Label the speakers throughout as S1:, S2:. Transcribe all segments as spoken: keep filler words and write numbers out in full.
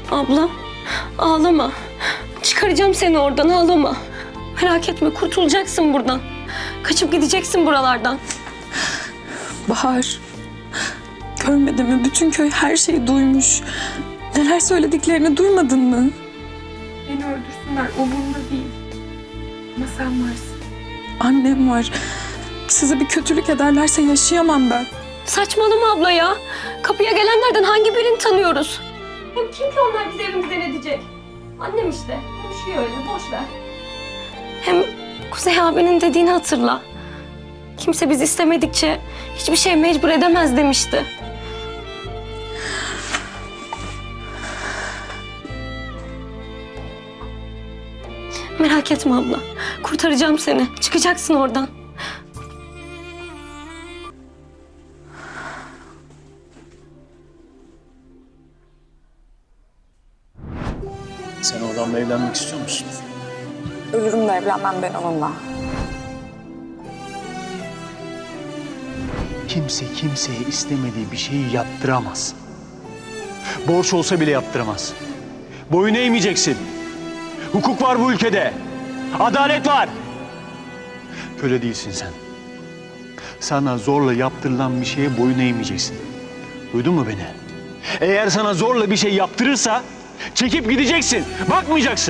S1: Abla, ağlama. Çıkaracağım seni oradan, ağlama. Merak etme, kurtulacaksın buradan. Kaçıp gideceksin buralardan.
S2: Bahar, görmedin mi? Bütün köy her şeyi duymuş. Neler söylediklerini duymadın mı? Beni öldürsünler, umurumda değil. Ama sen varsın. Annem var. Size bir kötülük ederlerse yaşayamam ben.
S1: Saçmalama abla ya. Kapıya gelenlerden hangi birini tanıyoruz? Hem kim ki onlar bizi evimizden edecek? Annem işte. Konuşuyor öyle, boş ver. Hem Kuzey abinin dediğini hatırla. Kimse biz istemedikçe hiçbir şey mecbur edemez demişti. Merak etme abla. Kurtaracağım seni. Çıkacaksın oradan.
S3: Sen o adamla evlenmek istiyor musun?
S2: Ölürüm de evlenmem ben onunla.
S3: Kimse kimseye istemediği bir şeyi yaptıramaz. Borç olsa bile yaptıramaz. Boyun eğmeyeceksin. Hukuk var bu ülkede. Adalet var. Köle değilsin sen. Sana zorla yaptırılan bir şeye boyun eğmeyeceksin. Duydun mu beni? Eğer sana zorla bir şey yaptırırsa çekip gideceksin. Bakmayacaksın.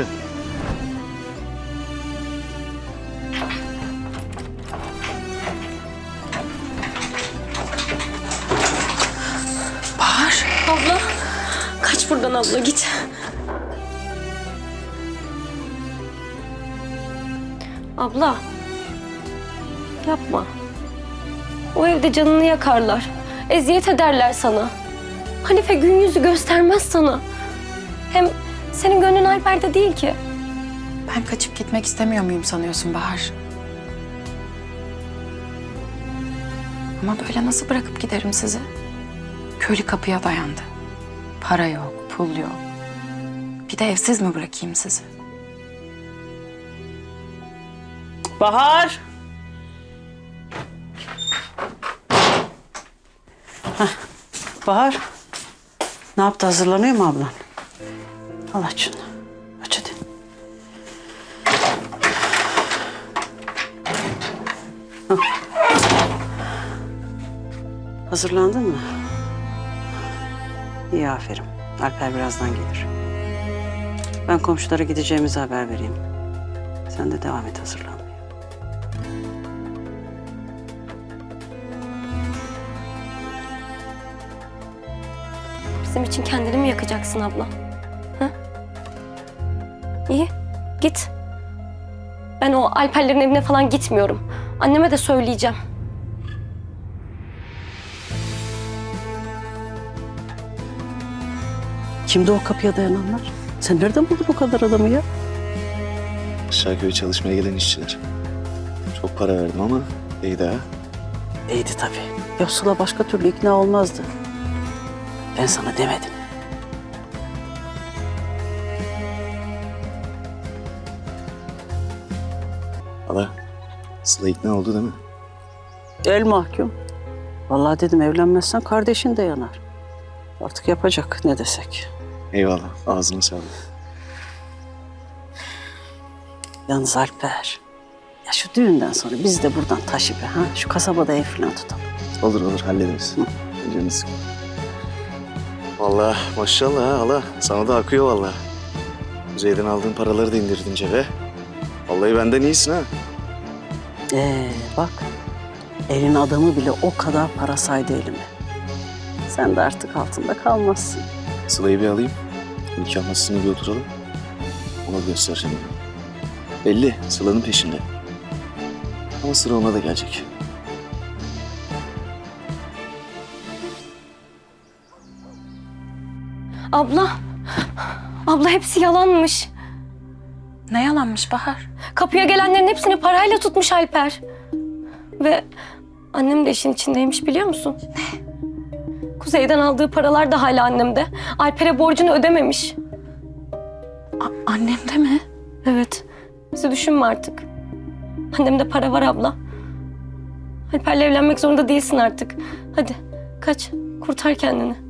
S2: Bahar.
S1: Abla, kaç buradan abla, git. Abla, yapma. O evde canını yakarlar, eziyet ederler sana. Hanife gün yüzü göstermez sana. Hem senin gönlün Alper'de değil ki.
S2: Ben kaçıp gitmek istemiyor muyum sanıyorsun Bahar? Ama böyle nasıl bırakıp giderim sizi? Köylü kapıya dayandı. Para yok, pul yok. Bir de evsiz mi bırakayım sizi?
S4: Bahar! Heh, Bahar, ne yaptı? Hazırlanıyor mu ablan? Al aç şunu. Aç hadi. Hah. Hazırlandın mı? İyi, aferin. Alper birazdan gelir. Ben komşulara gideceğimizi haber vereyim. Sen de devam et hazırlanmaya.
S1: Bizim için kendini mi yakacaksın abla? Ha? İyi, git. Ben o Alperlerin evine falan gitmiyorum. Anneme de söyleyeceğim.
S4: Kimdi o kapıya dayananlar? Sen nereden buldun o kadar adamı ya?
S5: Aşağıköy'e çalışmaya gelen işçiler. Çok para verdim ama iyiydi ha.
S4: İyiydi tabii. Yoksul'a başka türlü ikna olmazdı. Ben sana demedim.
S5: Hala, Sıla ikna oldu değil mi?
S4: El mahkum. Vallahi dedim evlenmezsen kardeşin de yanar. Artık yapacak ne desek.
S5: Eyvallah, ağzına sağlık.
S4: Yalnız Alper, ya şu düğünden sonra biz de buradan taşı be ha. Şu kasabada ev falan tutalım.
S5: Olur olur, hallederiz. Canını sıkma. Vallahi maşallah ha hala, sana da akıyor vallahi. Kuzey'den aldığın paraları da indirdin cebe. Vallahi benden iyisin ha.
S4: Ee bak, elin adamı bile o kadar para saydı elime. Sen de artık altında kalmazsın.
S5: Sıla'yı bir alayım, nikah masasına bir oturalım. Ona göstereceğim. Belli, Sıla'nın peşinde. Ama sıra ona da gelecek.
S1: Abla, abla hepsi yalanmış.
S2: Ne yalanmış Bahar?
S1: Kapıya gelenlerin hepsini parayla tutmuş Alper. Ve annem de işin içindeymiş, biliyor musun? Ne? Kuzey'den aldığı paralar da hala annemde. Alper'e borcunu ödememiş.
S2: A- annem de mi?
S1: Evet. Bizi düşünme artık. Annemde para var abla. Alper'le evlenmek zorunda değilsin artık. Hadi kaç, kurtar kendini.